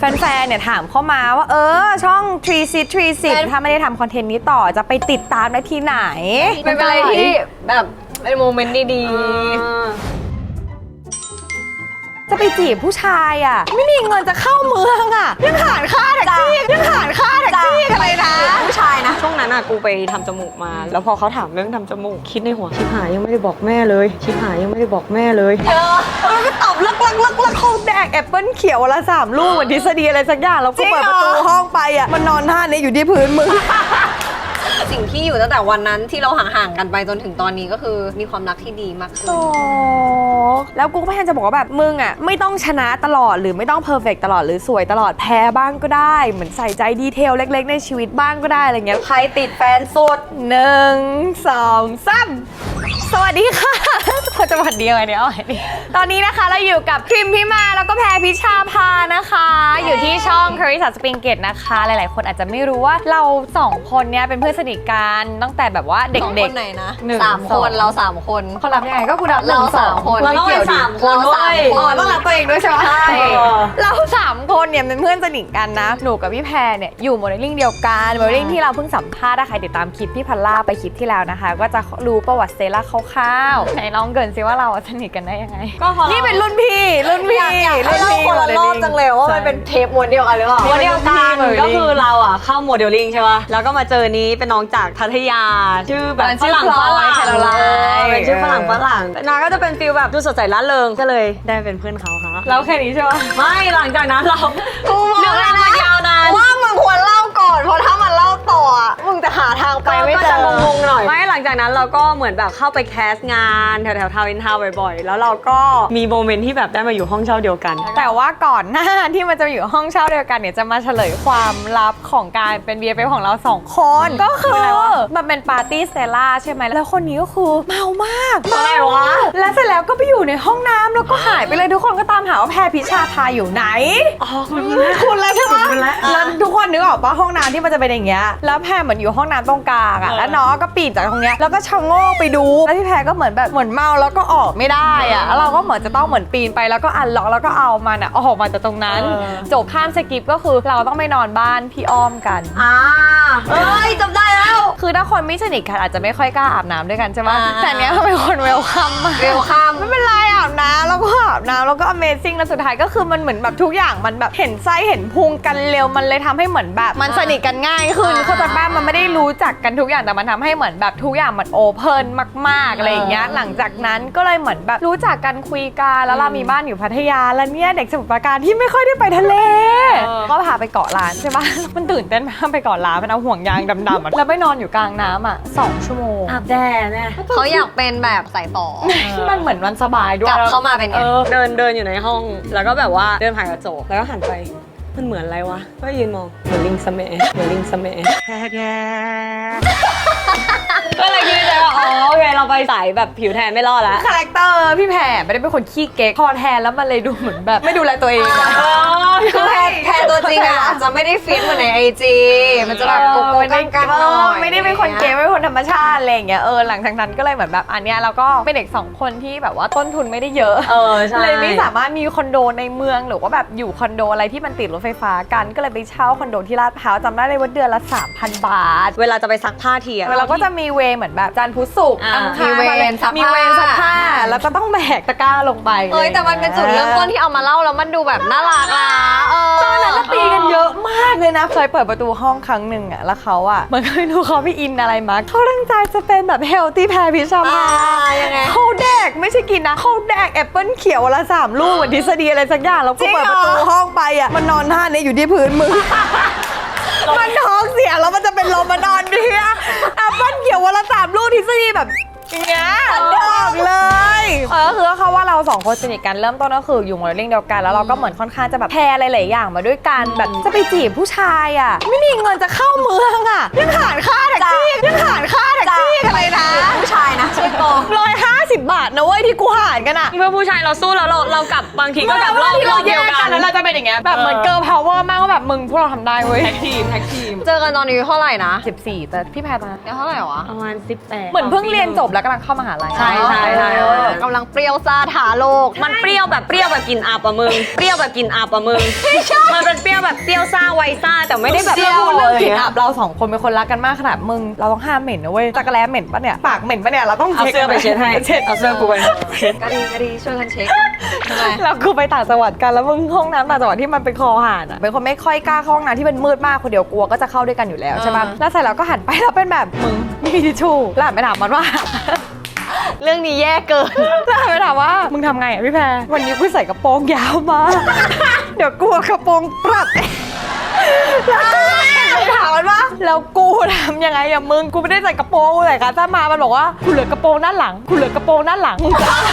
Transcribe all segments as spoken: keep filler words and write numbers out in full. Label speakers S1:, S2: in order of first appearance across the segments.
S1: แฟนๆเนี่ยถามเข้ามาว่าเออช่องทรีซิททรีซิทถ้าไม่ได้ทำคอนเทนต์นี้ต่อจะไปติดตามได้ที่ไหน
S2: เป็นอะไรที่แบบเป็นโมเมนต์ดีๆ
S1: จะไปจีบผู้ชายอ่ะไม่มีเงินจะเข้าเมืองอ่ะยังหารค่าแท็กซี่ยังหารค่าแท็กซี่อะไรนะ
S2: ผู้ชายนะช่วงนั้นอะกูไปทำจมูกมาแล้วพอเขาถามเรื่องทำจมูกคิดในหัวชิบหายยังไม่ได้บอกแม่เลยชิบหายยังไม่ได้บอกแม่เลยเออ
S1: แล้วก็ตอบลักลักลักลักเขาแดกแอปเปิ้ลเขียวละสามลูกเหมือนทฤษฎีอะไรสักอย่างแล้วก็เปิดประตูห้องไปอ่ะมันนอนท่านี้อยู่ที่พื้นมึง
S2: สิ่งที่อยู่ตั้งแต่วันนั้นที่เราห่างๆกันไปจนถึงตอนนี้ก็คือมีความรักที่ดีมากขึ้น
S1: โอ้แล้วกูก็พยายามจะบอกว่าแบบมึงอ่ะไม่ต้องชนะตลอดหรือไม่ต้องเพอร์เฟกต์ตลอดหรือสวยตลอดแพ้บ้างก็ได้เหมือนใส่ใจดีเทลเล็กๆในชีวิตบ้างก็ได้อะไรเงี้ย
S2: ใครติดแฟนสุด
S1: หนึ่งสองสามสวัสดีค่ะเราจะวันเดียวไงเนี่ยตอนนี้นะคะเราอยู่กับพริมพิมาแล้วก็แพรพิชาภานะคะอยู่ที่ช่อง Carissa Springate นะคะหลายๆคนอาจจะไม่รู้ว่าเราสองคนเนี้ยเป็นเพื่อนสนิทกันตั้งแต่แบบว่าเด็กๆ
S2: คนไหนนะสามคนเราสามคน
S1: เขารับยังไงก็กูรับ
S2: เราสามคน
S1: เราต้องเป็นสามคนด้วยอ๋อต้องรับตัวเองด้วยใช่ไหมใช่เราสามคนเนี่ยเป็นเพื่อนสนิทกันนะหนูกับพี่แพรเนี่ยอยู่โมเดลลิ่งเดียวกันโมเดลลิ่งที่เราเพิ่งสัมภาษณ์ถ้าใครติดตามคลิปพี่พัลล่าไปคลิปที่แล้วนะคะก็จะรู้ประวัติเซล่าคร่าวๆไหนลองเกินซิว่าเราสนิทกันได้ยังไง
S2: ก็พอ
S1: นี่เป็นรุ่นพี่รุ่นพี่
S2: รุ่นพี่คนละรอบจังเลยว่ามันเป็นเทปม้วนเดียวกันหรือเปล่า
S3: ม้วนเดียวกันก็คือเราอ่ะเข้าโมเดลลิ่งใช่ป่ะแล้วก็มาเจอนี้เป็นน้องจากพัทยาชื่อแบบฝรั่งฝรั่งเป็นชื่อฝรั่งฝรั่งนาก็จะเป็นฟิลแบบดูสดใสร่าเริงก็เลยได้เป็นเพื่อนเขาค่ะ
S1: แล้วแค่นี้ใช่ป่ะ
S3: ไม่หลังจากนั้นเรา
S2: เรื่องราวมายาวนานว่ามึงควรเล่าก่อนเพราะถ้ามันเล่าต่อมึงจะหาทางไปไม่เจองงๆหน่อย
S3: ไม่หลังจากนั้นเราก็เหมือนแบบเข้าไปแคสงานแถวแถวทาวน์อินทาวน์บ่อยๆแล้วเราก็มีโมเมนต์ที่แบบได้มาอยู่ห้องเช่าเดียวกัน
S1: แต่ว่าก่อนหน้าที่มันจะอยู่ห้องเช่าเดียวกันเนี่ยจะมาเฉลยความลับของการเป็น บี เอฟ เอฟ ของเราสองคนก็คือมันเป็นปาร์ตี้เซล่าใช่ไหมแล้วคนนี้ก็คือเมามาก
S3: เมาอะไรวะ
S1: แล้วเสร็จแล้วก็ไปอยู่ในห้องน้ำแล้วก็หายไปเลยทุกคนก็ตามหาว่าแพรพิชาภาอยู่ไหน
S3: อ๋อคุณ
S1: คุณแล้วใช่ไหมแล้วทุกคนนึกออกปะห้องน้ำที่มันจะเป็นอย่างเงี้ยแล้วแพรเหมือนอยู่ห้องน้ำตรงกลางอ่ะแล้วน้องก็ปีนจากตรงเนี้ยแล้วก็ชะโงกไปดูแล้วพี่แพรก็เหมือนแบบเหมือนเมาแล้วก็ออกไม่ได้อ่ะแล้วเราก็เหมือนจะต้องเหมือนปีนไปแล้วก็อันล็อกแล้วก็เอามันอ่ะออกมาจากตรงนั้นจบข้ามสกิปก็คือเราต้องไปนอนบ้านพี่อ้อมกัน
S2: อ่าเอ้ยจำได้แล้ว
S1: คือถ้าคนไม่สนิทกันอาจจะไม่ค่อยกล้าอาบน้ำด้วยกันใช่ไหมแต่เนี้ยเขาเป็นคนเวลคัม
S2: เวลคัม
S1: ไม่เป็นไรอาบน้ำแล้วก็อาบน้ำแล้วก็ Amazing แล้วสุดท้ายก็คือมันเหมือนแบบทุกอย่างมันแบบเห็นไส้เห็นพุงกันเร็วมันเลยทำให้เหมือนแบบมันสนิทกันง่ายขึ้นเขาใจป้ามันไม่ได้รู้จักกันทุกอย่างแต่มันทำให้เหมือนแบบทุกอย่างมันโอเพนมากๆอะไรอย่างเงี้ยหลังจากนั้นก็เลยเหมือนแบบรู้จักกันคุยกันแล้วเรามีบ้านอยู่พัทยาแล้วเนี่ยเด็กสมุทรปราการที่ไม่ค่อยได้ไปทะเลก็พาไปเกาะล้านใช่ปะมันตื่นเต้นมากไปเกาะล้านมันเอาห่วงยางดำๆแล้วไปนอนอยู่กลางน้ำอ่ะสองชั่วโมง
S3: อาบแดดเนี่ย
S2: เขาอยากเป็นแบบสายต่อ
S1: มันเหมือนมันสบายด้วย
S2: กลับเข้ามาเป็นไง
S3: เดินเดินอยู่ในห้องแล้วก็แบบว่าเดินผ่านกระจกแล้วก็หันไปมันเหมือนอะไรวะก็ยืนมองเหมือนลิงสมัยเหมือนลิงสมัยก็เลยคิดใจว่าอ๋อโอเคเราไปสายแบบผิวแทนไม่รอดแล้ว
S1: คาแรคเตอร์พี่แพรไม่ได้เป็นคนขี้เก๊กพอแทนแล้วมันเลยดูเหมือนแบบไม่ดูแลตัวเอง
S2: คือแพรแพรตัวจริงอ่ะจะไม่ได้ฟิตเหมือนในไอจีมันจะแบบโกโก้กันกันหน่อย
S1: ไม่ได้เป็นคนเก๊กไม่เป็นคนธรรมชาติอะไรอย่างเงี้ยเออหลังจากนั้นก็เลยเหมือนแบบอันเนี้ยเราก็เป็นเด็กสองคนที่แบบว่าต้นทุนไม่ได้เยอะ
S3: เออใช่
S1: เลยไม่สามารถมีคอนโดในเมืองหรือว่าแบบอยู่คอนโดอะไรที่มันติดรถไฟฟ้ากันก็เลยไปเช่าคอนโดที่ลาดพร้าวจำได้เลยว่าเดือนละ สามพัน บาท
S3: เวลาจะไปซักผ้าทีอ่ะ
S1: เราก็จะมีเวเหมือนแบบจันทร์พุธศุกร์
S2: มีเวรซักผ้า
S1: มีเวรซักผ้าแล้วก็ต้องแบกตะกร้าลงไป
S2: เอ้ยแต่มันเป็นจุดเริ่มต้นที่เอามาเล่าแล้วมันดูแบบน่ารักอ่ะ
S1: ตอนนั้นตีกันเยอะมากเลยนะเคยเปิดประตูห้องครั้งหนึ่งอ่ะแล้วเขาอ่ะมันไม่รู้เขาไปอินอะไรมาเขาตั้งใจจะเป็นแบบเฮลตี้แพรพิชาภา
S2: ยังไง
S1: เขาแดกไม่ใช่กินนะเขาแดกแอปเปิ้ลเขียวละสามลูกเหมือนทฤษฎีอะไรสักอย่างแล้วก็เปิดประตูห้องไปอ่ะมันนอนท่านี้อยู่ที่พื้นมือมันท้องเสียแล้วมันจะเป็นลมมานอนดิอะแอปเปิ้ลเขียววันละสามลูกทฤษฎีแบบอย่างเงี้ยบอกเลยเออคือเขาว่าเราสองคนสนิทกันเริ่มต้นก็คืออยู่โมเดลลิ่งเดียวกันแล้วเราก็เหมือนค่อนข้างจะแบบแพรอะไรหลายอย่างมาด้วยกันแบบจะไปจีบผู้ชายอ่ะไม่มีเงินจะเข้าเมืองอ่ะยังหารค่าแท็กซี่ยังหารค่าแท็กซี่อะไรนะ
S2: ผู้ชายนะช่วยโกง
S1: ร้อยห้าสิบบาทนะเว้ยที่กูหารกันอ่ะ
S3: เมื่อผู้ชายเราสู้แล้วเราเรากลับ บางทีก็กลับรอบ
S1: ที่เราแยกกันแล้วเราจะเป็นอย่างเงี้ยแบบเหมือนเกิร์ลพาวเวอร์มากว่าแบบมึงพวกเราทำได้เว้ย
S3: แท็กทีมแท็กทีม
S2: เจอกันตอนนี้เท่าไหร่นะ
S1: สิบสี่แต่พี่แพรตอนนั้น
S2: เดี๋ยวเท่าไหร่วะ
S3: ประมาณสิบแปด
S1: เหมือนเพิ่งเรียนจบแล้วกำลังเข้ามหาลัย
S3: ใช่ใช่ใช่
S2: เออกำลังเปรี้ยวซ่าถาโลก
S3: มันเปรี้ยวแบบเปรี้ยวแบบกินอับอะมึง เปรี้ยวแบบกินอับอะมึง มันเป็นเปรี้ยวแบบเปรี้ยวซ่าไวซ่าแต่ไม่ได้แบบ
S1: เรื่องพูด
S3: เล
S1: เรื่อง
S3: ย
S1: กลิ่นอับเราสองคนเป็นคนรักกันมากขนาดมึงเราต้องห้ามเหม็นนะเว้ยจักรแร้เหม็นปะเนี่ยปากเหม็นปะเนี่ยเราต้อง
S3: เอาเสื้อไปเช็ดให้
S1: เช็ด
S3: เอาเสื้อกูไปเช็ด
S2: กะดีกะดีช่วยกันเช็คทำไม
S1: แล้วกูไปต่างจังหวัดกันแล้วมึงห้องน้ำต่างจังหวัดที่มันเป็นคอหาดอ่ะเป็นคนไม่ค่อยกล้าเข้าห้องน้ำที่มันมืดมากคนเดียวกลัวก็จะเข้าด้วยกันอยู่แล้วใช่ปะแล้วเสร็จแล้วก็หันไปแล้วเป็นแบบมึงไม่มีทิชชู่แล้วหันไปถามมันว่า
S2: เรื่องนี้แย่เกิน
S1: แล้วหันไปถามว่ามึงทำไงอ่ะพี่แพรวันนี้กูใส่กระโปรงยาวมา เดี๋ยวกลัวกระโปรงปรับแล้วไปถามมันว่าแล้วกูทำยังไงอะมึงกูไม่ได้ใส่กระโปรงกูใส่ขาสั้นมามันบอกว่ากูเหลือกระโปรงด้านหลังกูเหลือกระโปรงด้านหลัง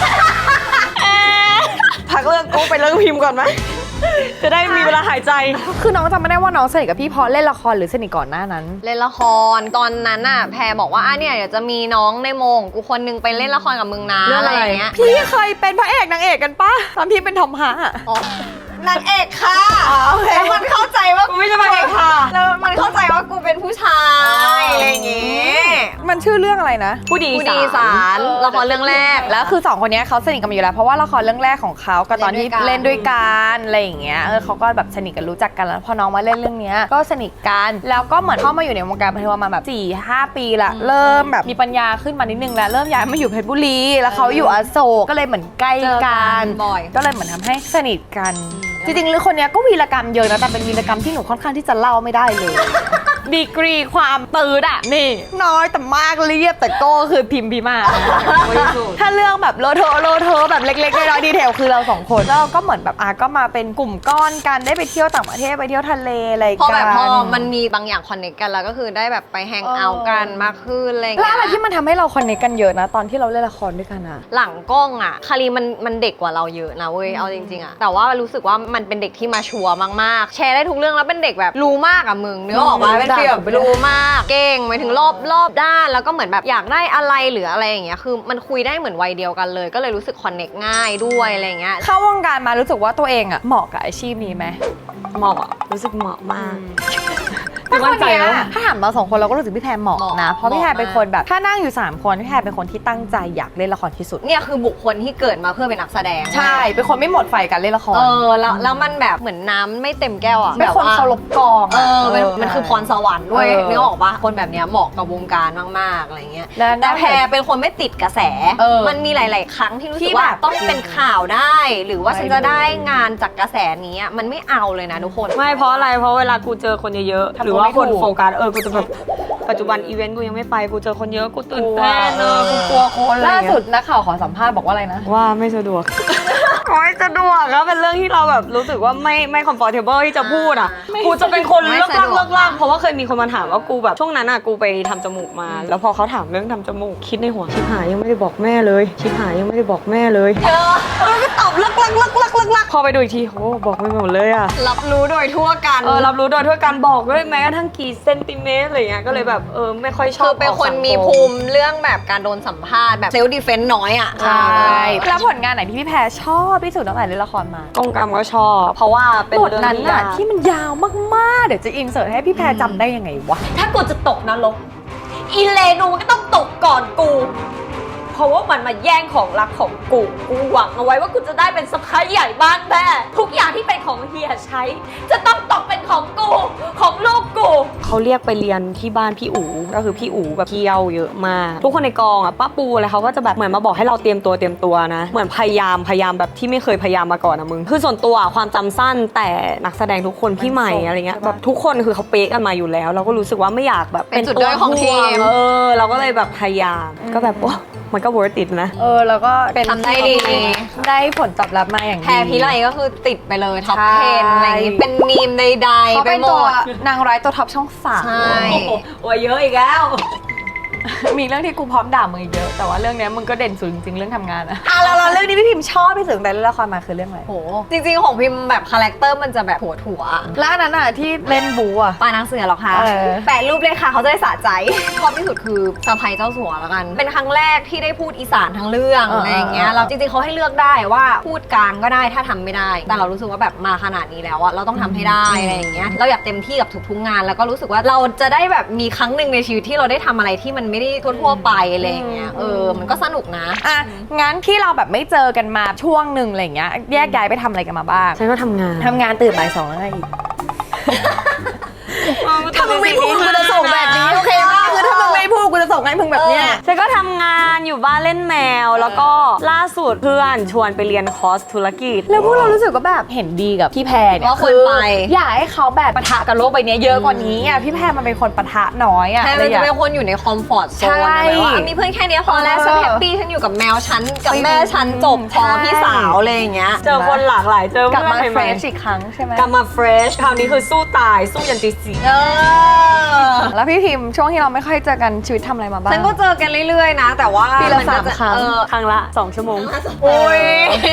S3: พักเรื่องกูไปเรื่องพิมพ์ก่อนไหม จะได้มีเวลาหายใจ
S1: คือน้องจำไม่ได้ว่าน้องสนิทกับพี่เพราะเล่นละครหรือสนิทก่อนหน้านั้น
S2: เล่นละครตอนนั้นน่ะแพรบอกว่าอ่ะเนี่ยเดี๋ยวจะมีน้องในโมงกูคนนึงไปเล่นละครกับมึงนะ
S3: เรื่อง
S2: อะไร
S3: อะไร
S2: อย่างเงี้ย
S1: พี่เคยเป็นพระเอกนางเอกกันปะตอนพี่เป็นทอมฮะอะ
S2: อ๋อนางเอกค่ะแล้วมันเข้าใจว่า
S3: กูไม่ใช่มาเองค่ะ
S2: แล้วมันเข้าใจว่ากูเป็นผู้ชายอะไรอย่างเงี้ย
S1: มันชื่อเรื่องอะไรนะ
S3: ผู้ดี
S2: ผู้ดีสารละครเรื่องแรก
S1: แล้วคือสองคนเนี้ยเขาสนิทกันมาอยู่แล้วเพราะว่าละครเรื่องแรกของเขากับตอนที่
S2: เล่
S1: เล่น
S2: นด้
S1: ด้ว
S2: วย ยกั
S1: กัน
S2: น
S1: อะไรอย่างเงี้ยเออเขาก็แบบสนิทกันรู้จักกันแล้วพอน้องมาเล่นเรื่องเนี้ยก็สนิทกันแล้วก็เหมือนเข้ามาอยู่ในวงการบันเทิงประมาณแบบสี่ห้าปีละเริ่มแบบมีปัญญาขึ้นมานิดนึงแล้วเริ่มย้ายมาอยู่เพชรบุรีแล้วเขาอยู่อโศกก็เลยเหมือนใกล้
S2: เจอ
S1: กั
S2: กัน นบ่อย
S1: ก็เลยเหมือนทำให้สนิทกัน จริงๆเรื่องคนเนี้ยก็วีรกรรมเยอะนะแต่เป็นวีรกรรมที่หนูค่อนข้างที่จะเล่าไม่ได้เลย ดีกรีความตืดอะนี่ น้อยแต่มากเรียบแต่โก้คือพิมพ์พิมาก ถ้าเรื่องแบบโลโทโลโทแบบเล็กๆน้อยๆดีเทลคือเราสองคนแล้วก็เหมือนแบบอาก็มาเป็นกลุ่มก้อนกันได้ไปเที่ยวต่างประเทศไปเที่ยวทะเลอะไรกัน
S2: พอแบบพอมันมีบางอย่างคอนเนคกันแล้วก็คือได้แบบไปแฮงเอาท์กันมากขึ้นอะไรอย่าง
S1: แล้ว
S2: เงี้
S1: อะไร
S2: ย
S1: ที่มันทำให้เราคอนเนคกันเยอะนะ ตอนที่เราเล่นละครด้วยกันอะ
S2: หลังกล้องอ่ะคารีมันมันเด็กกว่าเราเยอะนะเว้ยเอาจริงๆอ่ะแต่ว่ารู้สึกว่ามันเป็นเด็กที่มาชัวร์มากๆแชร์ได้ทุกเรื่องแล้วเป็นเด็กแบบรู้มากอ่ะมึงเนื้อออกมาเป็นฟีลแบบรู้มากเก่งหมายถึงรอบรอบด้านแล้วก็เหมือนแบบอยากได้อะไรหรืออะไรอย่างเงี้ยคือมันคุยได้เหมือนวัยเดียวกันเลย ก็เลยรู้สึกคอนเนคง่ายด้วยอะไรอย่างเงี้ย
S1: เข้าวงการมารู้สึกว่าตัวเองอะเหมาะกับอาชีพนี้ไหม
S3: เหมาะอะรู้สึกเหมาะมาก
S1: ถ้า
S3: มั่
S1: คน
S3: นใจ
S1: เนี้ย
S3: แล้ว
S1: ถ้าถามเราสองคนเราก็รู้สึกพี่แพรเหมาะ
S2: เหมาะ
S1: นะ เพราะพี่แพร
S2: เหมาะ
S1: เป็นคนแบบถ้านั่งอยู่สามคนพี่แพรเป็นคนที่ตั้งใจอยากเล่นละครที่สุด
S2: เนี่ยคือบุคคลที่เกิดมาเพื่อเป็นนักแสดง
S1: ใช่เป็นคนไม่หมดไฟการเล่นละคร
S2: เออแล้วแล้วมันแบบเหมือนน้ำไม่เต็มแก้วอ่ะ
S1: เป็นคน
S2: แบบว่
S1: เคารพกอง
S2: เออมัน
S1: เออ
S2: มันคือพรสวรรค์ด้วย
S1: เออ
S2: นึกออกปะคนแบบเนี้ยเหมาะกับวงการมากๆอะไรเงี้ย
S1: แล้ว
S2: แต่แพรเป็นคนไม่ติดกระแส
S1: เออ
S2: มันมีหลาย ๆ ครั้งที่รู้สึ
S1: ที่
S2: กว่า
S1: แบบ
S2: ต้องเป็นข่าวได้ หรือว่า
S1: ไม่
S2: ฉันจะได้งานจากกระแสนี้อะมันไม่เอาเลยนะทุกคน
S3: ไม่เพราะอะไร เพราะเวลากูเจอคนเยอะๆ หรือว่าคน
S1: ไม่ถูก
S3: โฟกัสเออ กูจะแบบ ปัจจุบันอีเวนต์กูยังไม่ไป กูเจอคนเยอะ กูตื่นเต้นเนอะกูกลัวคนอะไรอ
S1: ล่า
S3: ย่าง
S1: สุ
S3: เงี้
S1: ด
S3: ย
S1: นักข่าวขอสัมภาษณ์บอกว่าอะไรนะ
S3: ว่าไม่สะดวก ไม่สะดวกก็เป็นเรื่องที่เราแบบรู้สึกว่าไม่ไม่คอมฟอร์ทเบิลที่จะพูดอ่ะ กูจะเป็นคน
S2: ไม่
S3: เลิก
S2: สะ
S3: ลาก
S2: ดวก
S3: เลิกลากเพราะว่าเคยมีคนมาถามว่ากูแบบช่วงนั้นอ่ะกูไปทำจมูกมา แล้วพอเขาถามเรื่องทำจมูกคิดในหัวชิบหายยังไม่ได้บอกแม่เลย ชิบหายยังไม่ได้บอกแม่เลย
S2: เออมันก็ตอบลักลักลักลักลักลัก
S3: พอไปดูอีกทีโอ้บอกไม่หมดเลยอ่ะ
S2: รับรู้โดยทั่วกัน
S3: เออรับรู้โดยทั่วการบอกด้วยแม้กระทั่งกี่เซนติเมตรอะไรเงี้ยก็เลยแบบเออไม่ค่อยช
S2: คื
S3: อบ
S2: อเป็นคนมีภูมิเรื่องแบบการโดนสัมภาษณ์แบบเซลล์ดีเฟนต์น้อยอ่ะ
S1: ใช่แล้วผลงานไหนที่พี่แพรชอบที่สุดตั้งแต่เล่นละครมา
S3: กองกรรมก็ชอบ เพราะว่าเป็น
S1: บท
S3: เรื่อง
S1: นั้น
S3: ที่
S1: น่ะ
S3: ยาก
S1: ที่มันยาวมากๆ เดี๋ยวจะอินเสิร์ตให้พี่แพรจำได้ยังไงวะ
S3: ถ้ากูจะตกนรกอีเลนูมันก็ต้องตกก่อนกู เพราะว่ามันมาแย่งของรักของกู กูหวังเอาไว้ว่ากูจะได้เป็นสะพ้ายใหญ่บ้านแม่ทุกอย่างที่เป็นของเฮียใช้ จะต้องตกเป็นของกู ของลูกกู เขาเรียกไปเรียนที่บ้านพี่อู๋ก็คือพี่อู๋แบบเที่ยวเยอะมาก ทุกคนในกองอ่ะป้าปูอะไรเขาก็จะแบบเหมือนมาบอกให้เราเตรียมตัวเตรียมตัวนะ เหมือนพยายามพยายามแบบที่ไม่เคยพยายามมาก่อนนะมึง คือส่วนตัวความจำสั้นแต่นักแสดงทุกคนพี่ใหม่อะไรเงี้ยแบบทุกคนคือเขาเป๊ะกันมาอยู่แล้ว เราก็รู้สึกว่าไม่อยากแบบ
S2: เป็นจุดด้อยของทีม
S3: เออเราก็เลยแบบพยายามก็แบบโอ้มันก็ worth it นะ
S1: เออแล้วก็เป็น
S2: ทำได้ดี
S1: ได้ผลตอบรับมาอย่างดี
S2: แพรพิไลก็คือติดไปเลยท็อป
S1: ใช่
S2: เทนอะไรอย่างงี้เป็นมีมใดๆ
S1: เขา
S2: ไป
S1: เป็น
S2: หม
S1: ตัว
S2: ด
S1: นางร้ายตัวท็อปช่องสาม
S2: ใช่
S3: โอ้ยเยอะอีกแล้ว
S1: มีเรื่องที่กูพร้อมด่ามึงอีกเยอะแต่ว่าเรื่องเนี้ยมึงก็เด่นสุดจริงๆเรื่องทำงานอะอ่ะแล้วเราเรื่องนี้พี่พิมพ์ชอบที่สุดในเรื่องละครมาคือเรื่องอะไร
S2: โหจริงๆของพิมพ์แบบคาแรคเตอร์มันจะแบบหัวถั่ว
S1: แล้วอันนั้นอะที่เล่นบูอะ
S2: ปลานังเสือหรอคะ
S1: เออ
S2: แปะรูปเลยค่ะเขาจะได้สะใจชอบที่สุดคือสะใภ้เจ้าสัวแล้วกัน เป็นครั้งแรกที่ได้พูดอีสานทั้งเรื่องอะไรอย่างเงี้ยเราจริงๆเขาให้เลือกได้ว่าพูดกลางก็ได้ถ้าทำไม่ได้ แต่เรารู้สึกว่าแบบมาขนาดนี้แล้วอะเราต้องทำให้ได้อะไรอย่างเงี้ยเราอยากเต็มที่กับทุกๆงาน แล้วก็รู้สึกว่าเราจะได้แบบมีครั้งหนึ่งในชีวิตที่เราได้ทำอะไรที่มันไม่ได้ทั่วๆไปอะไรอย่างเงี้ยเออมันก็สนุกนะ
S1: อ่ะงั้นที่เราแบบไม่เจอกันมาช่วงหนึ่งอะไรเงี้ยแยกย้ายไปทำอะไรกันมาบ้าง
S3: ฉันก็ทำงาน
S1: ทำงานตื่นบ่ายสองแล้วไงอีกถ้ามึงไม่พูดกูจะส่งแบบนี้โอเคป่ะคือถ้ามึงไม่พูดกูจะส่งให้มึงแบบเนี้ย
S3: ฉันก็ทำงานอยู่บ้านเล่นแมว แล้วก็ล่าสุดเพื่อนชวนไปเรียนคอร์สธุรกิจ
S1: แล้วพวกเรารู้สึกว่าแบบเห็นดีกับพี่แพรเนี่ย
S2: ว่าควรไป
S1: อยากให้เขาแบบปะทะกับโลกใบนี้เยอะกว่านี้อ่ะพี่แพรมันเป็นคนปะทะน้อยอ่ะ
S2: แค่มันจะเป็นคนอยู่ในคอมฟอร์ตโซน
S1: ใช่
S2: แบบว่ามีเพื่อนแค่เนี้ยพอแล้ว
S1: เออ
S2: ฉันแฮปปี้ฉันอยู่กับแมวฉันกับแม่ฉันจบพอ
S1: ใช่
S2: พี่สาวอะไรอย่างเงี้ย
S3: เจอคนหลากหลายเจอก
S1: ลับ
S3: เพื่อน
S1: มา
S3: ให
S1: เฟร
S3: ม่
S1: ชอีกครั้งใช่ไหม
S3: ๆกลับมาเฟรชคราวนี้คือสู้ตายสู้ยันตีสี่
S2: เออ
S1: แล้วพี่พิมพ์ช่วงที่เราไม่ค่อยเจอกันชีวิตทำอะไรมาบ้าง
S2: ฉันก็เจอกันเรื่อยๆนะ แต่ว่า
S1: ปีละ
S2: นก็
S1: สาม
S2: จะ
S1: ครั้ง
S2: เออ
S3: ครั้งละสองชั่วโมง
S2: โอ้ย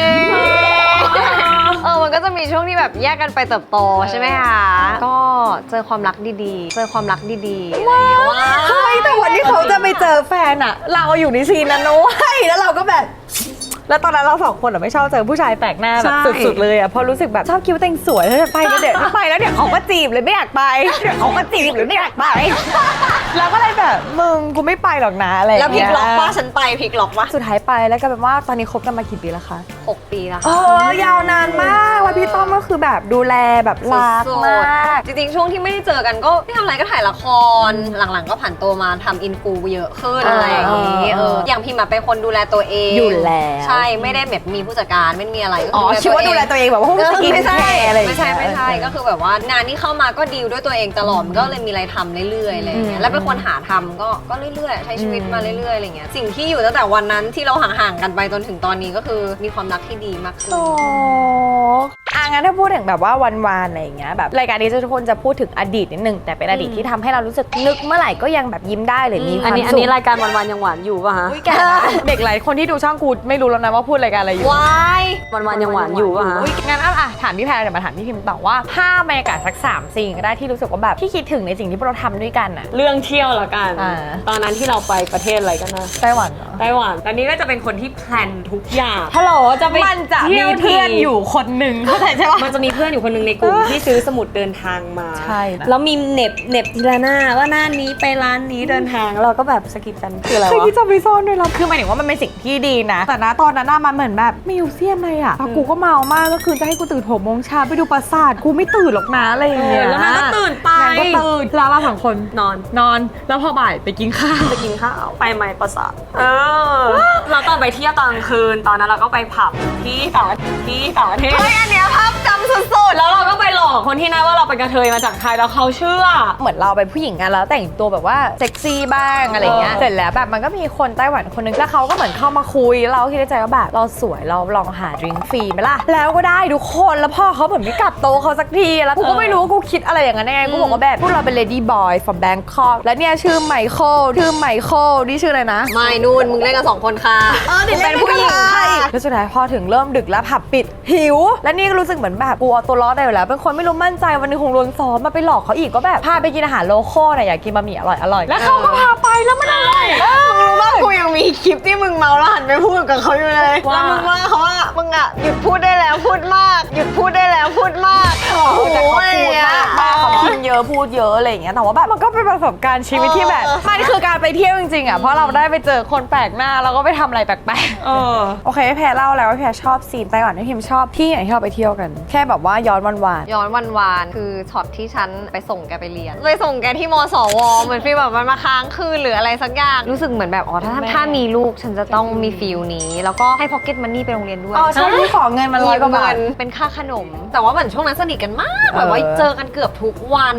S2: เออมันก็จะมีช่วงที่แบบแยกกันไปเติบโตใช่ไหมคะก็เจอความรักดีๆ เจอความรักดีๆอะไรอย่างเงี้ยว่า
S1: เฮ้ยแต่วันที่เขาจะไปเจอแฟนอะเราอยู่ในซีนนั้นนะเว้ยแล้วเราก็แบบ แล้วตอนนั้นเราสองคนอะไม่ชอบเจอผู้ชายแปลกหน้าแบบ
S3: ใช่
S1: สุดๆเลยอะเพราะรู้สึกแบบชอบคิดว่าตัวเองสวยแล้วจะไปแล้วเดี๋ยวไปแล้วเดี๋ยวเขาก็จีบเลยไม่อยากไปเดี๋ยวเขาก็จีบเลยไม่อยากไปเราก็เลยแบบมึงกูไม่ไปหรอกนะอะไรอย่าง
S2: แล้วพลิ
S1: เงี้
S2: ก
S1: ย
S2: ล็อกว่าฉันไปพลิกล็อกว่า
S1: สุดท้ายไปแล้วก็แบบว่าตอนนี้คบกันมากี่ปีแล้วคะ
S2: หกปีแล้ว
S1: เอ
S2: ค่ะ
S1: อยาวนานมากว่าพี่ต้อมก็คือแบบดูแลแบบรัก
S2: สุด
S1: มาก
S2: ๆจริงๆ ช่วงที่ไม่ได้เจอกันก็ไม่ทำอะไรก็ถ่ายละคร หลังๆ ก็ผ่านตัวมาทำอินฟูเยอะขึ้น
S1: อ่า
S2: อะไรอย่างงี้เอออย่างพิมอะเป็นคนดูแลตัวเอง
S1: อยู่แล้ว
S2: ใช่ไม่ได้แบบมีผู้จัดการไม่มีอะไรก็
S1: อ๋อคิดว่าดูแลตัวเองแบบว่า
S2: เออ
S1: สกิน
S2: ไม่
S1: แค
S2: ใช่
S1: ร์อะไรอย่าง
S2: ไม่
S1: เงี้ย
S2: ใช่ไม่ใช่ก็คือแบบว่างานที่เข้ามาก็ดีลด้วยตัวเองตลอดมันก็เลยมีอะไรทำเรื่อยๆอะไรอย่างเงี้ยแล้วเป็นคนหาทำก็ก็เรื่อยๆใช้ชีวิตมาเรื่อยๆอะไรเงี้ยสิ่งที่อยู่ตั้งแต่วันนั้นที่เราห่างๆกันไปจนถึงตอนนี้ก็คือมีความรักที่ดีมากขึ้น
S1: โอ้อ่ะงั้นถ้าพูดถึงแบบว่าวันวานอะไรอย่างเงี้ยแบบรายการนี้ทุกคนจะพูดถึงอดีตนิดนึงแต่เป็นอดีตที่ทำให้เรารู้สึกนึกเมื่อไหร่ก็ยังแบบยิ้มได้หรือมีค
S3: อัน
S1: วาม
S3: นี้อัน
S1: สุ
S3: นี้
S1: ข
S3: รายการวันวันๆยังหวานอยู่ป่ะฮะ
S1: อุ๊ยแกนะเด็กหลายคนที่ดูช่องกูไม่รู้แล้วนะว่าพูดรายการอะไรอยู่
S2: วาย
S3: วันวันๆยังหวานอยู่ป่ะฮะ
S1: อุ๊ยงั้นอ่ะอ่ะถามพี่แพรเดี๋ยวมาถามพี่พิมพ์ต่อว่าภาพบรรยากาศสักสามสิ่งก็ได้ที่รู้สึกว่าแบบที่คิดถึงในสิ่งที่พวกเราทำด้วยกันอ่ะ
S3: เรื่องเที่ยวละกัน
S1: อ่า
S3: ตอนนั้นที่เราไปประเทศอะไรกันนะ
S1: ไต้หวันเหรอ
S3: ไต้หวันตอนนี้ก็จะเป็นคนที่แพลนทุกอย่าง
S1: ฮัลโหล
S3: จะไป
S1: มันจะ
S3: เที่
S1: มี
S3: ยว
S1: เพื่อนอยู่คนหนึ่งเข้าใจใช่ปะ
S3: มันจะมีเพื่อนอยู่คนหนึ่งในกลุ่มที่ซื้อสมุดเดินทางมา
S1: ใช่นะ
S3: แล้วมีเหน็บเหน็บทีละหน้าว่าหน้านี้ไปร้านนี้เดินทางเราก็แบบสกิปกันคืออะไร
S1: เคยว
S3: ะ
S1: คิดจะไปซ่อนด้วยแล้วคือหมายถึงว่ามันเป็นสิ่งที่ดีนะ แต่นะตอนนั้นน่ะมันเหมือนแบบมิวเซียมเลยอ่ะกูก็เมามากก็คือจะให้กูตื่นหกโมงเช้าไปดูปราสาทกูไม่ตื่นหรอกนะอะไรอย่างเงี้ย
S3: แล้วนางก็ตื่นไป
S1: นางก็ตื่นแล้วเราสองคน
S3: นอน
S1: นอนแล้วพอบ่ายไปกินข้าว
S3: ไปกินข้าวไปไหมประสาทเออเราตอนไปเที่ยวตอนกลางคืนตอนนั้นเราก็ไปผับที่ต่างที่ต่างประเทศ
S2: เฮ้ยอันเนี้ยภาพจำสุดๆ
S3: แล้วเราก็ไปหลอกคนที่นั่นว่าเราเป็นกระเทยมาจากไทยแล้วเขาเชื่อ
S1: เหมือนเราเป็นผู้หญิงกันแล้วแต่งตัวแบบว่าเซ็กซี่บ้างอะไรเงี้ย
S3: เออ
S1: เสร็จแล้วแบบมันก็มีคนไต้หวันคนนึงแล้วเขาก็เหมือนเข้ามาคุยแล้วเราคิดในใจว่าแบบเราสวยเราลองหาดริงก์ฟรีไหมล่ะแล้วก็ได้ทุกคนแล้วพ่อเขาเหมือนไม่กลับโตะเขาสักทีแล้วกูก็ไม่รู้ว่ากูคิดอะไรอย่างนั้นยังไงกูบอกว่าแบบพวกเราเป็น lady boy from Bangkok แล้วเนี่ยชื่อไมเคิลชื่อไมเคิลนี่ชื่ออะไรนะ
S2: ไม่นู่นมึงเล่นกันสองคนค่ะ
S1: เออเดี๋ยว
S2: เป็นผู้หญิงค่ะ
S1: แล้วสุดท้ายพอถึงเริ่มดึกแล้วผับปิดหิว และนี่ก็รู้สึกเหมือนแบบกูเอาตัวรอดได้อยู่แล้วเป็นคนไม่รู้มั่นใจวันหนึงคงโดนซ้อมมาไปหลอกเขาอีกก็แบบพาไปกินอาหารโลคอลน่ะอยากกินบะหมี่อร่อยอร่อยแล้วเขาก็พาไปแล้วมันอร่อย
S2: มึงรู้ว่ากูยังมีคลิปที่มึงเมาแล้วหันไปพูดกับเขาอยู่เลย
S3: ว่า
S2: แล้วมึงว่าเขาว่ามึงอะหยุดพูดได้แล้วพูดมาก หยุดพูดได้แล้วพูดมากโอ้โห
S1: แต่เขาพูดมากมากเขากินเยอะพูดเยอะอะไรอย่างเงี้ยแต่ว่าแบบมันก็เป็นประสบการณ์ชีวิตที่แบบมันคือการไปเที่ยวจริงๆอ่ะเพราะเราได้ไปเจอคนแปลกหน้าแล้วก็ไปทำอะไรแปลกๆ
S3: เออ
S1: โอเคแพรเล่าแล้วว่าแพรชอบซีนไต้หวันที่พิมชอบที่ไหนที่เราไปเที่ยวกัน แค่แบบว่าย้อนวันวาน
S2: ย้อนวันวานคือช็อตที่ฉันไปส่งแกไปเรียนไปส่งแกที่มสวเหมือนฟีลแบบมันมาค้างคืนหรืออะไรสักอย่างรู้สึกเหมือนแบบอ๋อถ้า
S1: แม่
S2: ถ้ามีลูกฉันจะต้องมีฟีลนี้ แล้วก็ให้พ็อกเก็ตมันนี่ไปโรงเรียนด้วย
S1: อ๋อใช่ที่ขอเงินมาร้อยกว่าบาท
S2: เป็นค่าขนม แต่ว่าเหมือนช่วงนั้นสนิทกันมากแบบว่า
S1: เออ
S2: เจอกันเกือบทุกวัน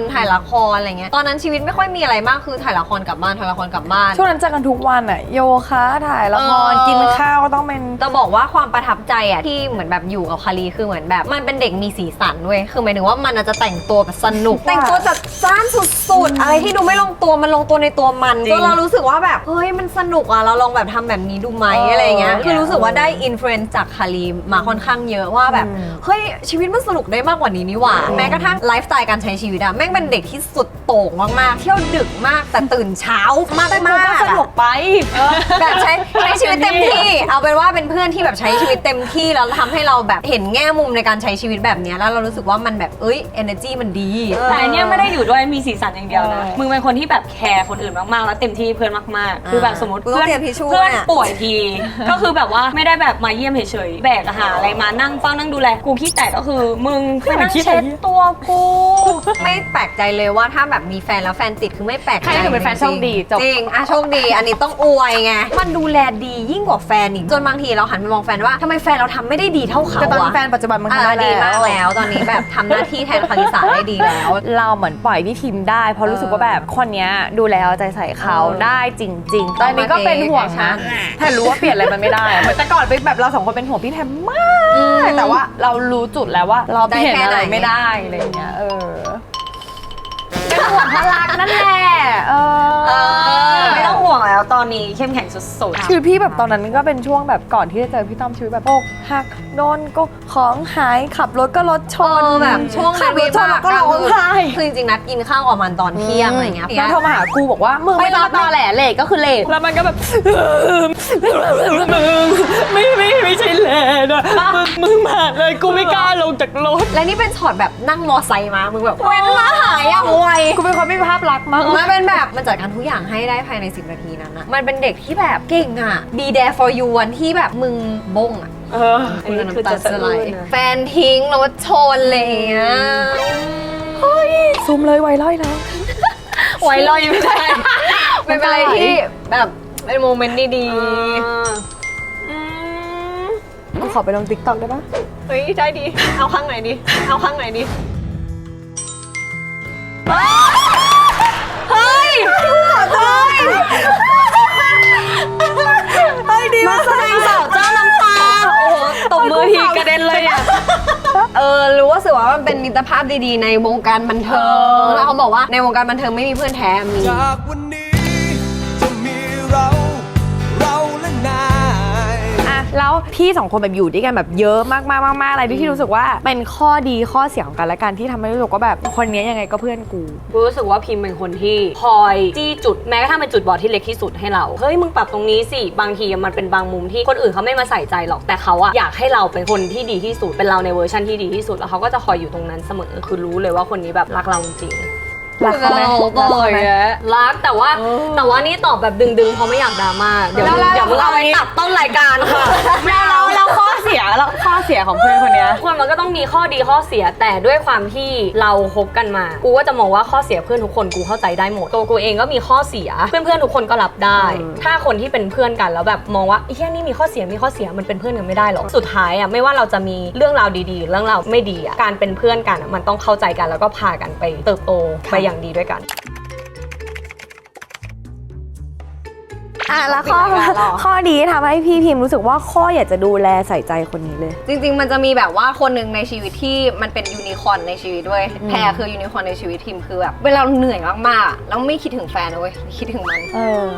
S2: ถ่ายละครอะไรเงี้ยตอนนั้นชีวิตไม่ค่อยมีอะไรมากคือถ่ายละครกลับบ้านถ่ายละครกลับบ้าน
S1: ช่วงนั้นเจอกันทุกวันอะโยคะถ่ายละคร
S2: เออ
S1: กินข้าวก็ต้องเป็น
S2: จะบอกว่าความประทับใจอะที่เหมือนแบบอยู่กับคารีคือเหมือนแบบมันเป็นเด็กมีสีสันเว้ยคือหมายถึงว่ามันอาจจะแต่งตัวแบบสนุก แต่งตัวจัดจ้านสุดๆอะไรที่ดูไม่ลงตัวมันลงตัวในตัวมัน
S3: จริง
S2: จนเรารู้สึกว่าแบบเฮ้ยมันสนุกอะเราลองแบบทำแบบนี้ดูไหม
S1: เอออ
S2: อะไรเงี้ยคือรู้สึกว่าได้อินฟลูเอนซ์จากคารีมาค่อนข้างเยอะว่าแบบ
S1: อืม
S2: เฮ้ยชีวิตมันสนุกได้มากกว่านี้นี่หว่าแม้กระทั่งไลฟ์สไตล์การใช้ชีวิตอะแม่งเป็นเด็กที่สุดโต่งมากๆเที่ยวดึกมากแต่ตื่นเช้ามาก
S1: แต่กู
S2: มาก
S1: ก็สนุกไป
S2: แบบใช้ใช้ชีวิตเต็มที่ เอาเป็นว่าเป็นเพื่อนที่แบบใช้ชีวิตเต็มที่แล้วทำให้เราแบบเห็นแง่มุมในการใช้ชีวิตแบบเนี้ยแล้วเรารู้สึกว่ามันแบบเอ้ย energy มันดี
S3: แต่อันเนี้ยไม่ได้อยู่ด้วยมีสีสันอย่างเดียวนะ
S1: เออ
S3: มึงเป็นคนที่แบบแคร์คนอื่นมากๆแล้วเต็มที่เพื่อนมากๆ คือแบบสมมติ
S2: กูต้
S3: เพื่
S2: อง
S3: อน
S2: เตรียมทิชชู่
S3: เพื่อน
S2: เนี่ย
S3: ป่วยที ก็คือแบบว่าไม่ได้แบบมาเยี่ยมเฉยๆแบกอาหารอะไรมานั่งเฝ้านั่งดูแลกูขี้แตกก็คือมึงไปนั่งเช็ดตัวกู
S2: ไม่แปลกใจเลยว่าถ้าแบบมีแฟนแล้วแฟนติดคือไม่แปลกใจ
S1: ใครถือเป็นแฟนโชคดีจบ
S2: จริงอ่ะโชคดี อันนี้ต้องอวยไงมันดูแลดียิ่งกว่าแฟนอีกจนบางทีเราหันไปมองแฟนว่าทำไมแฟนเราทำไม่ได้ดีเท่าเขา
S1: แต่ตอนนี้
S2: อะ
S1: แฟนปัจจุบันมัน
S2: อ่ะ
S1: ทำได้
S2: ดี
S1: แล้
S2: มาก
S1: ว
S2: แล้วตอนนี้แบบทำหน้าที่แทนคาริสาได้ดีแล้ว
S1: เราเหมือนปล่อยพี่ทีมได้เพราะรู้สึกว่าแบบคนเนี้ยดูแลเอาใจใส่เขา
S2: เออ
S1: ได้จริง ๆ ตอนนี้ก็เป็นห่วงนะ
S2: แอคชั่น
S1: แต่รู้ว่าเปลี่ยนอะไรมันไม่ได้อะเหมือนแต่ก่อนเป็นแบบเราสองคนเป็นห่วงพี่แทมมากแต่ว่าเรารู้จุดแล้วว่าเราเปลี่ยนอะไรไม่ได้อะไรอย่างเงี้ยเออเป็นห่วงเพราะรักนั่นแหละเอ
S2: เอ
S1: อ
S2: อ
S3: ไม่ต้องห่วงแล้วตอนนี้เข้มแข็งสุดๆ
S1: ชีวิตพี่แบบตอนนั้นก็เป็นช่วงแบบก่อนที่จะเจอพี่ต้อมชีวิตแบบอกหักโดนก็ของหายขับรถก็รถช
S2: เอน อแบบช่วง
S1: ขับรถชนแล้วก็ร้องไห้
S2: คือจริงๆนัดกินข้าวกับมันตอนเที่ยงอะไรเงี้ย
S1: แล้วโทรมาหากูบอกว่ามึงไม่ต้องตอแหลเลทก็คือเลทแล้วมันก็แบบมึงไม่ไม่ไม่ใช่เลทอะมึงมึงมาเลยกูไม่กล้าลงจากรถ
S2: และนี่เป็นช็อตแบบนั่งมอไซค์มา มึงแบบเว้นมาหายอย่างไว
S1: กูเป็นคนไม่มีภาพลักษณ์มาก
S2: มันเป็นแบบมันจัดการทุกอย่างให้ได้ภายในสิบนาทีนั้นนะมันเป็นเด็กที่แบบเก่งอ่ะ be there for you วันที่แบบมึงบงอ่ะ
S3: เอออันนี้คือจะสะ
S2: ไหล
S3: อื้นนะ
S2: แฟนทิ้งรถชนอะไรอย่างเลยอ่ะ
S1: เฮ้ยซูมเลยไวร้อยแล้ว
S2: ไว้รอยไม่ได้เป็นอะไรที่แบบเป็นโมเมนต์ดี
S1: กูขอไปลงติ๊กต็อกได้ปะ
S2: ๆเฮ้ยได้ดี เอาข้างไหนดี เอาข้างไหนดี เฮ้ยเฮ้ย
S1: เฮ้ยดีมาก
S2: แสดงสาวเจ้าน้ำตา โอ้โห
S3: ตบมือทีกระเด็นเลยอ่ะ
S2: เออ รู้ว่าสึกว่ามันเป็นมิตรภาพดีๆ ในวงการบันเทิง แล้วเขาบอกว่าในวงการบันเทิงไม่มีเพื่อนแท้มี
S4: จากวันนี้จะมีเรา เราและนาย
S1: อ่ะแล้วพี่สองคนแบบอยู่ด้วยกันแบบเยอะมากๆมากๆอะไรที่รู้สึกว่าเป็นข้อดีข้อเสียของกันและกันที่ทำให้รู้สึกว่าแบบคนนี้ยังไงก็เพื่อนกู
S3: กูรู้สึกว่าพิมเป็นคนที่คอยจี้จุดแม้กระทั่งเป็นจุดบอดที่เล็กที่สุดให้เรา เฮ้ยมึงปรับตรงนี้สิบางทีมันเป็นบางมุมที่คนอื่นเขาไม่มาใส่ใจหรอกแต่เขาอะอยากให้เราเป็นคนที่ดีที่สุดเป็นเราในเวอร์ชันที่ดีที่สุดแล้วเขาก็จะคอยอยู่ตรงนั้นเสมอคือรู้เลยว่าคนนี้แบบรักเราจริง
S1: รักเขาไหม
S2: เรา
S1: รักเขาไหม
S3: รักแต่ว่าแต่ว่านี่ตอบแบบดึงๆเพราะไม่อยากดราม่าเดี๋ยว
S1: แล้วแล้ว
S3: เดี๋ยวมึงเอาไปตัดต้นรายการค่ะ
S1: แล้วแล้วข้อเสียแล้วข้อเสียของเพื่อนคนเนี้ย
S3: คนมันก็ต้องมีข้อดีข้อเสียแต่ด้วยความที่เราคบกันมา กูก็จะมองว่าข้อเสียเพื่อนทุกคนกูเข้าใจได้หมดตัวกูเองก็มีข้อเสียเพื่อนๆทุกคนก็รับได้ ถ้าคนที่เป็นเพื่อนกันแล้วแบบมองว่าไอ้แค่นี้มีข้อเสียมีข้อเสียมันเป็นเพื่อนกันไม่ได้หรอกสุดท้ายอ่ะไม่ว่าเราจะมีเรื่องราวดีๆ เรื่องราวไม่ดีอ่ะการเป็นเพื่อนกันอะมันต้องเข้าใจกันแล้วก็พากันไปเติบโตไปอย่างดีด้วยกัน
S1: อ่ะแล้วข้อ
S2: ปิดรายการเหรอ
S1: ข้อดีที่ทำให้พี่พิมรู้สึกว่าข้ออยากจะดูแลใส่ใจคนนี้เลย
S2: จริงๆ มันจะมีแบบว่าคนหนึ่งในชีวิตที่มันเป็นยูนิคอร์นในชีวิตด้วย แพรคือยูนิคอร์นในชีวิตทีมคือแบบเวลาเราเหนื่อยมากๆอะแล้วไม่คิดถึงแฟนนะเว้ยคิดถึงมัน
S1: เออ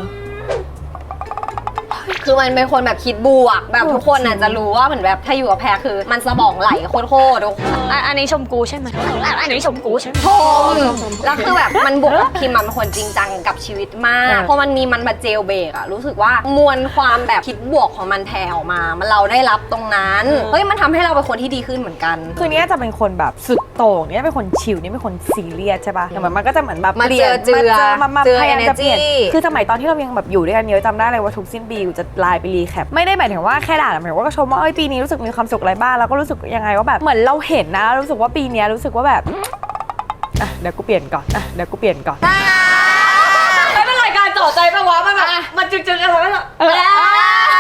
S2: คือมันเป็นคนแบบคิดบวกแบบทุกคนน่ะจะรู้ว่าเหมือนแบบถ้าอยู่กับแพรคือมันสมองไหลโคตรๆทุกคน
S3: อันอันนี้ชมกูใช่ไหมอันนี้ชมกูใช่ไหม
S2: ชมแล้วคือแบบมันบวกกับพิมมันเป็นคนจริงจังกับชีวิตมาก
S1: เออ
S2: พอมันมีมันมาเจลเบรกอะรู้สึกว่ามวลความแบบคิดบวกของมันแผ่ออกมา มันเราได้รับตรงนั้นเฮ้ยมันทำให้เราเป็นคนที่ดีขึ้นเหมือนกัน
S1: คือเนี้ยจะเป็นคนแบบสุดโต่งเนี่ยเป็นคนชิลนี่เป็นคนซีเรียสใช่ป่ะอย่างแบบมันก็จะเหมือนแบบ
S2: มา
S1: ปลี่ยน
S2: เจือเจือ
S1: มามามา
S2: เจือ
S1: พยายามจะเปลี่ยน
S2: energy
S1: คือสมัยตอนที่เรายังแบบอยู่ด้วยกันเยอะจำได้เลยว่าทุกสิ้นปีกูจะไลน์ไปรีแคปไม่ได้หมายถึงว่าแค่ด่าหมายถึงว่าก็ชมว่าเอ้ยปีนี้รู้สึกมีความสุขอะไรบ้างแล้วก็รู้สึกยังไงว่าแบบเหมือนเราเห็นนะรู้สึกว่าปีเนี้ยรู้สึกว่าแบบอ่ะเดี๋ยวกูเปลี่ยนก่อนอ่ะเดี๋ยวกูเปลี่ยนก่อน
S3: ไม่เป็นรายการต่อใจปะวะมันแบบมันจึงๆอะไรไม่หรอ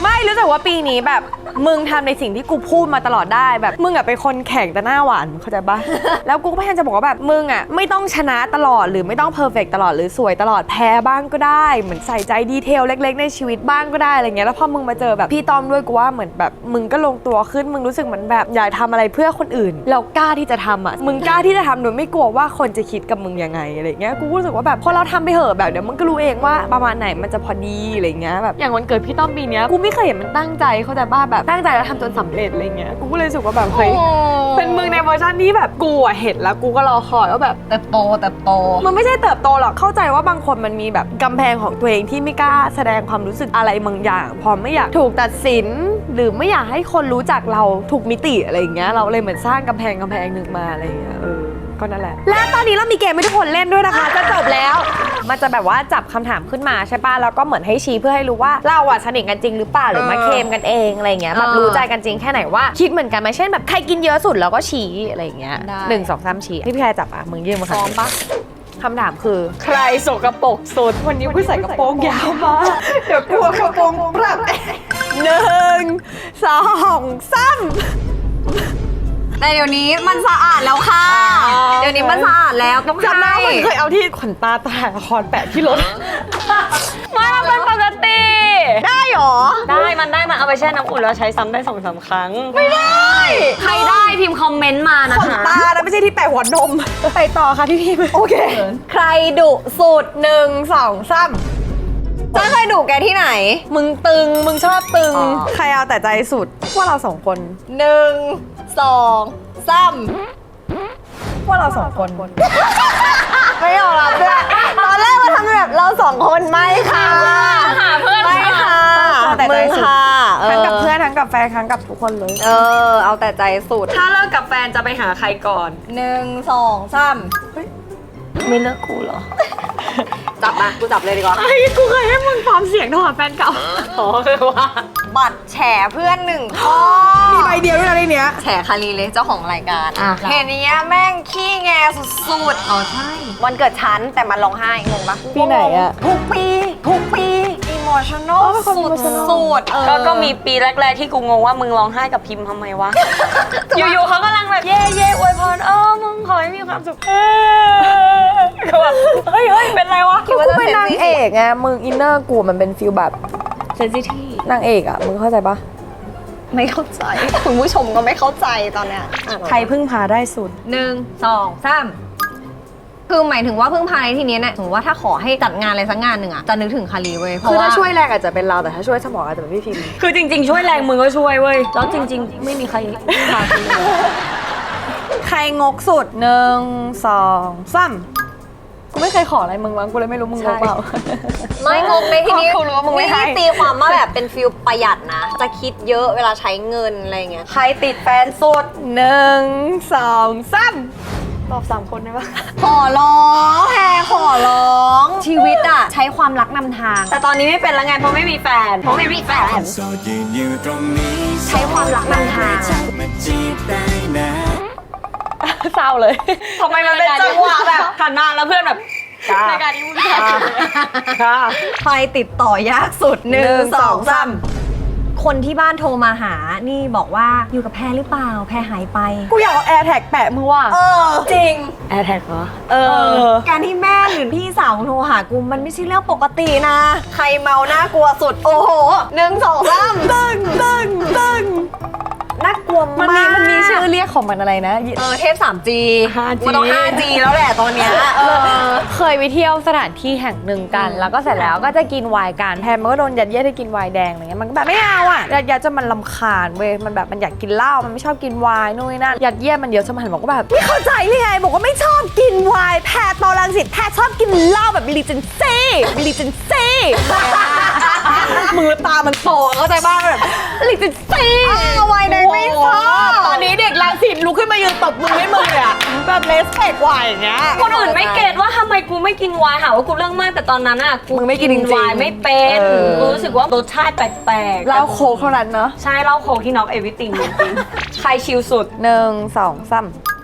S1: ไม่รู้สึกว่าปีนี้แบบมึงทำในสิ่งที่กูพูดมาตลอดได้แบบมึงอะเป็นคนแข่งแต่หน้าหวานเข้าใจปะ แล้วกูก็พยายามจะบอกว่าแบบมึงอะไม่ต้องชนะตลอดหรือไม่ต้องเพอร์เฟกตลอดหรือสวยตลอดแพ้บ้างก็ได้เหมือนใส่ใจดีเทลเล็กๆในชีวิตบ้างก็ได้อะไรเงี้ยแล้วพอมึงมาเจอแบบพี่ต้อมด้วยกูว่าเหมือนแบบมึงก็ลงตัวขึ้นมึงรู้สึกเหมือนแบบอยากทำอะไรเพื่อคนอื่นเรากล้าที่จะทำอะมึงกล้าที่จะทำโดยไม่กลัวว่าคนจะคิดกับมึงยังไงอะไรเงี้ยกูรู้สึกว่าแบบพอเราทำไปเหอะแบบเดี๋ยวมึงก็รู้เองว่าประมาณไหนมันจะพอดีอะไรเงี้ยแบบอย่างวันเกิดพี่ต้อมปีเนี้ยกูไม่เคยเห็นมันตั้งใจเข้าใจป่ะแบบตั้งใจแล้วทำจนสำเร็จอะไรเงี้ยกูก็เลยรู้สึกว่าแบบเฮ้ยเป็นมึงในเวอร์ชันที่แบบกูอะเห็นแล้วกูก็รอคอยว่าแบบ
S2: เติบโตเติบโต
S1: มันไม่ใช่เติบโตหรอกเข้าใจว่าบางคนมันมีแบบกำแพงของตัวเองที่ไม่กล้าแสดงความรู้สึกอะไรบางอย่างพอไม่อยากถูกตัดสิน หรือไม่อยากให้คนรู้จักเราถูกมิติอะไรอย่างเงี้ยเราเลยเหมือนสร้างกำแพงกำแพงหนึ่งมาอะไรอย่างเงี้ยเออก็นั่นแหละและตอนนี้เรามีเกมให้ทุกคนเล่นด้วยนะคะจะจบแล้วมันจะแบบว่าจับคำถามขึ้นมาใช่ป่ะแล้วก็เหมือนให้ชี้เพื่อให้รู้ว่าเราอะสนิทกันจริงหรือเปล่าหรือมาเคมกันเองอะไรอย่างเงี้ยแบบรู้ใจกันจริงแค่ไหนว่าคิดเหมือนกันไหมเช่นแบบใครกินเยอะสุดเราก็ชี้อะไรอย่างเงี้ย
S2: ได้
S1: หนึ่งสองสามชี้พี่พี่แพรจับอ่ะมึงยื่นมา
S2: พร้อมปะ
S1: คำถามคือ
S3: ใครสกปรกสุด
S1: วันนี้กูใส่กระโปรงยาวมากเดี๋ยวกลัวกระโปรงปรับหนึ่งสองสาม
S2: แต่เดี๋ยวนี้มันสะอาดแล้วค่ะ เดี๋ยวนี้มันสะอาดแล้วต้อง
S1: จำได้
S2: ให้
S1: เหมือนเคยเอาที่ขนตาถ่ายละครแปะที่รถ
S3: มาเป็นปกติ
S1: ได้หรอ
S3: ได้มันได้มันเอาไปแช่น้ำอุ่นแล้วใช้ซ้ำได้สองสามครั้ง ไม่ได้ ใครได้พิมพ์คอมเมนต์มานะ
S1: ขน
S3: คะ
S1: ตานะไม่ใช่ที่แปะหัวนม ไปต่อค่ะพี่พิมโอเค
S2: ใครดุสุดหนึ่งสองสามจะเคยดุแกที่ไหน
S1: มึงตึงมึงชอบตึง
S2: อ๋อ
S1: ใครเอาแต่ใจสุดว่าเราสองคน
S2: หนึ่งสองสาม
S1: ว่าเราสองคน
S2: ไม่ยอมรับด้วยตอนแรกมาทำแบบเราสองคนไม่ค่ะ
S3: หาเพื่อน
S2: ไม่ค่ะ
S1: เอาแต่ใจ
S2: มึง
S1: สุด
S2: ค่ะ
S1: ทั้งกับเพื่อนทั้งกับแฟนทั้งกับทุกคนเลย
S2: เออเอาแต่ใจสุด
S3: ถ้าเลิกกับแฟนจะไปหาใครก่อน
S2: หนึ่งสองสาม
S3: ไม่เลิกกูเหรอ
S2: จับมากูจับเลยดีกว่า
S1: ไอ้กูเคยให้มึงพร้อมเสียงโทรหาแฟนเก่า
S3: อ๋อคือว่า
S2: บัตรแฉเพื่อนหนึ่งข้อ
S1: มีใบเดียวด้วยนะในเนี้ย
S2: แฉคารีเลยเจ้าของรายการ
S3: อ่ะ
S2: เห็นเนี้ยแม่งขี้แงสุดๆอ๋อใช่ วันเกิดฉันแต่มันร้องไห้งงปะ
S1: ปีไหนอะ
S2: ทุกปี ทุกปีอิโมชั่นอลสุดสุดๆ
S3: ก็ก็มีปีแรก ๆ ที่กูงงว่ามึงร้องไห้กับพิมพ์ทำไมวะ อยู่ๆเขากำลังแบบเย่เย่อวยพรเออมึงขอให้มีความสุขเออก็แบบเฮ้ยเฮ้ยเป็นไรวะ
S2: คิดว่า
S1: กู
S2: จะ
S1: เป็นนางเอกไงมึงอินเนอร์กูมันเป็นฟิลแบบ
S3: เซนซิทีฟ
S1: นางเอกอะมึงเข้าใจปะ
S2: ไม่เข้าใจ คุณผู้ชมก็ไม่เข้าใจตอนเนี้ย
S3: ใครพึ่งพาได้สุด
S2: หนึ่งสองสามคือหมายถึงว่าพึ่งพาในที่นี้เนี่ยสมมติว่าถ้าขอให้จัดงานอะไรสักงานหนึ่งอะจะนึกถึงคารีเว้ยเพราะ
S1: คือ
S2: ว่า
S1: ถ้าช่วยแรงอาจจะเป็นเราแต่ถ้าช่วยสมองอาจจะเป็นพี่พิม
S3: คือจริง ๆ ช่วยแรงมึงก็ช่วยเว้ย แล้วจริง ๆ ไม่มีใครพึ่งพากูเลย
S1: ใครงกสุดหนึ่งสองสามกูไม่เคยขออะไรมึงวะกูเลยไม่รู้มึงงกเปล่า
S2: ไม่งงในที่นี้
S1: กูรู้ว่ามึงไม่ให้
S2: นี่ตีความว่าแบบเป็นฟิลประหยัดนะ จะคิดเยอะเวลาใช้เงินอะไรเงี้ย
S1: ใครติดแฟนสุดหนึ่งสองสามตอบสามคนได้ปะ
S2: ขอร้องแพรขอร้อง ชีวิตอะใช้ความรักนำทาง
S3: แต่ตอนนี้ไม่เป็นแล้วไงเพราะไม่มีแฟน เพราะไม่มีแฟน
S4: โสดยืนอยู่ตรงนี้
S2: ใช้ความรักนำทาง
S4: มาจีบได้นะ
S1: เศร้าเลย
S3: ทำไมมันเป็นจังหวะแบบหันมาแล้วเพื่อนแบบรายการนี้มึงค่ะ
S2: ใครติดต่อยากสุดหนึ่งสองสามคนที่บ้านโทรมาหา นี่บอกว่าอยู่กับแพรหรือเปล่า แพรหายไป
S1: กูอยากเอาแอร์แท็กแปะมือว่ะ
S2: เออ จริง
S3: แอร์แท็กเหรอ
S1: เออ
S2: การที่แม่หรือพี่สาวโทรหากูมันไม่ใช่เรื่องปกตินะ ใครเมาน่ากลัวสุด โอ้โหหนึ่งสองสาม
S1: ตึงตึงตึง
S2: น่ากลัว
S1: มัน
S2: มาก
S1: มีมันมีชื่อเรียกของมันอะไรนะ
S2: เออเทพ ทรีจี
S3: ห้าจี
S2: มันต้อง ไฟว์จี แล้วแหละตอนเนี้ยเออ
S1: เคยไปเที่ยวสถานที่แห่งหนึ่งกัน แล้วก็เสร็จแล้วก็จะกินไวน์กันแพมมันก็โดนยัดเยียดให้กินไวน์แดงอะไรเงี้ยมันก็แบบไม่เอาอ่ะยัดเยียดจนมันลำคาญเว้ยมันแบบมันอยากกินเหล้ามันไม่ชอบกินไวน์นู่นนี่นั่นยัดเยียดมันเยอะจนมันหันบอกว่าแบบไม่เข้าใจเลยไงบอกว่าไม่ชอบกินไวน์แพรตอรังสิตแพรชอบกินเหล้าแบบบิลิเจนซี่บิลิเจนซี่ มือตามันโตเข้าใจบ้างแบบบิลิเจนซี่
S2: ไวน์แดงไม่ชอบ
S1: ตอนนี้เด็กรังสิตลุกขึ้นมายืนตบมือให้มึงเลยอะแบบเลสเปกไวน์อย่างเงี้ย
S3: คนอื่นไม่เก็ตว่าทำไมกูไม่กินไวน์หาว่ากูเรื่องมากแต่ตอนนั้นอ่ะกู
S1: มึงไม่กินจริงๆ
S3: ไวน์ไม่เป็น
S1: เออ
S3: กูรู้สึกว่ารสชาติแปลกๆ
S1: เหล้าโค้กเท่านั้นเนาะ
S3: ใช่เหล้าโค้กที่น็อกเอวิติงจริงๆใครชิลสุด
S1: หนึ่งสองสาม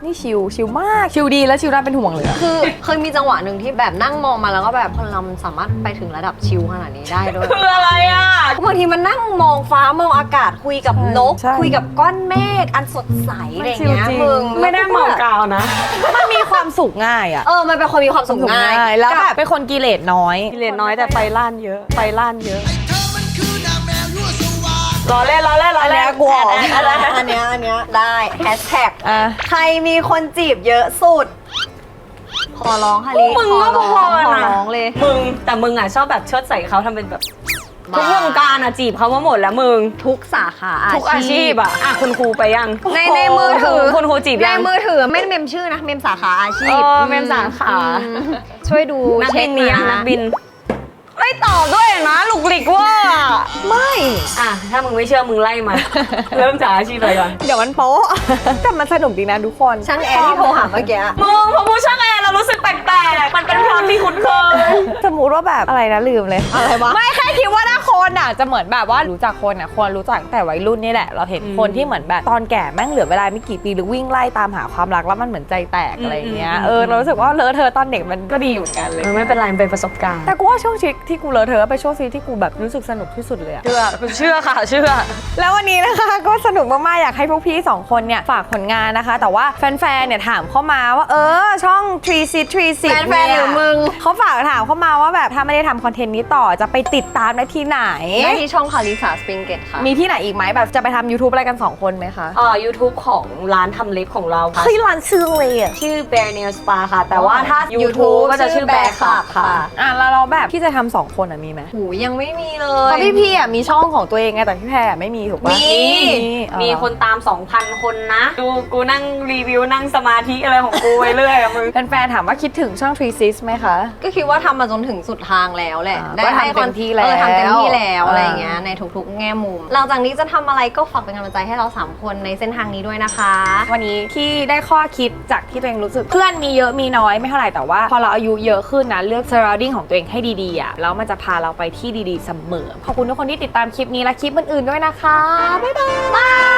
S1: นี่ชิลชิลมากชิลดีแล้วชิลน่าเป็นห่วงเลยอะ
S2: คือเคยมีจังหวะหนึ่งที่แบบนั่งมองมาแล้วก็แบบคนเรามันสามารถไปถึงระดับชิลขนาดนี้ได้ด้วย
S3: คืออะไรอ่ะ
S2: บางทีมันนั่งมองฟ้ามองอากาศคุยกับนก
S1: ใช่
S2: คุยกับก้อนเมฆอันสดใสอะไรอย่างเงี้ย
S1: จริงๆ
S2: มึง
S3: ไม่ได้เมากาวนะ
S1: มันมีความสุขง่ายอะ
S2: เออมันเป็นคนมีความสุขง่าย
S1: แล้วแบบเป็นคนกิเลสน้อย
S3: กิเลสน้อยแต่ไฟล้านเยอะ ไฟล้านเยอะ
S4: เธอมันคือนางแมวยั่วสวาท
S3: รอเล่นรอเล่นรอ
S1: อัน
S3: เล่
S1: เนี้
S3: น
S1: ยกลัว
S2: อันเนี้ยอันเนี้ยอันเนี้ยได้แฮชแท็ก
S1: อ่ะ
S2: ใครมีคนจีบเยอะสุด ขอร้องค่ะลิ
S3: มึง
S2: ขอ
S3: ก็
S2: ร้
S3: พ
S2: อ
S3: อง
S2: ขอ
S3: นะ
S2: ร้องเลย
S3: มึงแต่มึงอ่ะชอบแบบเชิดใส่เขาทำเป็นแบบ
S2: บ้า
S3: ทุกวงการอ่ะจีบเขามาหมดแล้วมึง
S2: ทุกสาขาอาชีพ
S3: ทุกอาชีพอ่ะอ่ะคุณครูไปยัง
S2: ในในมือถือ
S3: คุณครูจีบ
S2: ใน
S3: ยัง
S2: มือถือไม่ได้เมมชื่อนะเมมสาขาอาชีพ
S3: เออเมมสาขา
S2: อืมช่วยดู
S3: นัก
S2: เช็
S3: บิ
S2: คน
S3: มียัง
S2: นะ
S3: นักบิน ไม่ตอบด้วยนะหลุกหลิกเว่า
S1: ไม่
S3: อ่ะถ้ามึงไม่เชื่อมึงไล่มา เริ่มจากอาชีพอะไรก่อน
S1: เดี๋ยวมันโป๊ะ แต่มันสนุกดีนะทุกคน
S2: ช่างแอร์ที่โทรหาเมื่อกี้
S3: มึงพอพูดช่างแอร์เรารู้สึกแปลกๆมันเป็นความที่คุ้นเคย
S1: สมมติว่าแบบอะไรนะลืมเลย
S2: อะไรวะ
S1: ไม่แค่คิดว่าถ้าคนอ่ะจะเหมือนแบบว่ารู้จักคนอ่ะคนรู้จักตั้งแต่วัยรุ่นนี่แหละ เราเห็น
S3: อืม
S1: คนที่เหมือนแบบตอนแก่แม่งเหลือเวลาไม่กี่ปีหรือวิ่งไล่ตามหาความรักแล้วมันเหมือนใจแตกอะไรอย่างเงี้ย
S3: อืม
S1: เออเรารู้สึกว่าเลอะเธอะตอนเด็กมันก็ดีเหมือนกันเลย
S3: เออไม่เป็นไรมันเป็นประสบการณ์
S1: แต่กูว่าช่วงชีวิตที่กูเลอะเธอะไปนช่วงชีวิตที่กูแบบรู้สึกสนุกที่สุดเลยอะ
S3: เชื่อคุณเชื่อค่ะเชื่อ
S1: แล้ววันนี้นะคะก็สนุกมากๆอยากให้พวกพี่สองคนเนี่ยฝากผลงานนะคะ แต่ว่าแฟนๆเนี่ยถามเข้ามาว่าเออช่องทรีซิทรีซิ
S2: แฟนๆหรือมึง
S1: เขาฝากถามเข้ามาว่าแบบถ้าไม่ได้ทำคอนเทนต์นี้ต่อจะไปติดตามได้ที่ไหน
S2: ได้ที่ช่องคาริสาสปริงเกตค่ะ
S1: มีที่ไหนอีกไหมแบบจะไปทำ YouTube อะไรกัน 2 คนไหมคะ
S3: เอ่อ YouTube ของร้านทำเล็บของเราค่ะ
S1: เฮ้ยร้านชื่อเลยอ่ะ
S3: ชื่อ Bear Nail Spa ค่ะ แต่ว่าถ้า
S2: YouTube
S3: YouTube ก็จะชื่อ
S2: ชื่อ
S3: Bear
S2: Bear
S3: Club
S2: Club
S3: ค่ะ
S2: ค่ะ
S1: อ่ะแล้วเราแบบที่จะทำสองคนอ่ะมีไหม
S2: หูยังไม่มีเล
S1: เพ
S2: ย
S1: ราะพี่พี่อ่ะมีช่องของตัวเองไงแต่พี่แพรอะไม่มีถูกปะ
S2: มี
S1: อ๋อ
S3: มีคนตาม สองพัน คนนะ ดูกูนั่งรีวิวนั่งสมาธิอะไรของกูไปเรื่อยอะมึง
S1: แฟนๆถามว่าคิดถึงช่อง Three Sis ไหมคะ
S2: ก็คิดว่าทำมาจนถึงสุดทางแล้วแหละ
S1: อ่า
S2: ได้
S1: ก็ทำ
S2: ให้
S1: เต็มที่แล้ว
S2: เออทำเต็มที่แล้ว
S1: อ่า
S2: อะไรอย่างเงี้ยในทุกๆ แง่มุม หลังจากนี้จะทำอะไรก็ฝากเป็นกำลังใจให้เราสามคนในเส้นทางนี้ด้วยนะคะ
S1: วันนี้ที่ได้ข้อคิดจากที่ตัวเองรู้สึกเพื่อนมีเยอะมีน้อยไม่เท่าไหร่แต่ว่าพอเราอายุเยอะขึ้นนะเลือก surrounding ของตัวเองให้ดีๆอ่ะแล้วมันจะพาเราไปที่ดีๆเสมอขอบคุณทุกคนที่ติดตามคลิปนี้และคลิปอื่นๆด้วยนะคะบ๊ายบาย